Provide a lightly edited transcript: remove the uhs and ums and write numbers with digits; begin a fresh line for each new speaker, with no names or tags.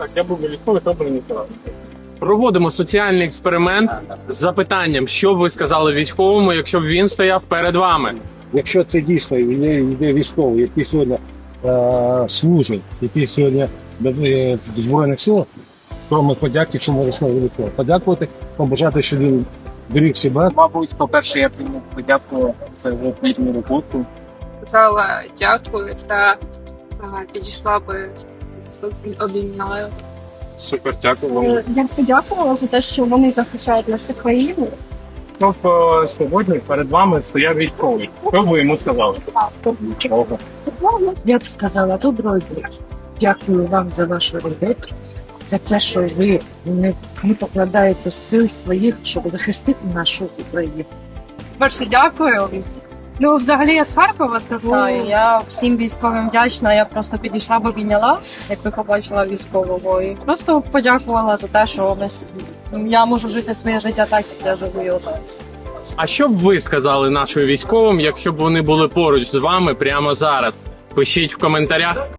Так, я був військовий, то мені сказав.
Проводимо соціальний експеримент з запитанням, що б ви сказали військовому, якщо б він стояв перед вами.
Якщо це дійсно йде військовий, який сьогодні служить, який сьогодні в Збройних силах, то ми подяки, що ми вирішили військово. Подякувати, побажати, щоб він беріг себе.
Мабуть, по-перше, я б йому подякував за його плідну роботу.
Сказала дякую та підійшла би обійняла.
Супер, дякую вам.
Я б подякувала за те, що вони захищають нашу країну.
Тобто сьогодні перед вами стояв військовий. Що ви йому сказали? Нічого.
Я б сказала доброго дня. Дякую вам за вашу роботу, за те, що ви не покладаєте сил своїх, щоб захистити нашу Україну.
Перше, дякую. Ну, взагалі, я з Харкова зростаю. Я всім військовим вдячна. Я просто підійшла б обійняла, якби побачила військового. І просто подякувала за те, що я можу жити своє життя так, як я живу його зараз.
А що б ви сказали нашим військовим, якщо б вони були поруч з вами прямо зараз? Пишіть в коментарях.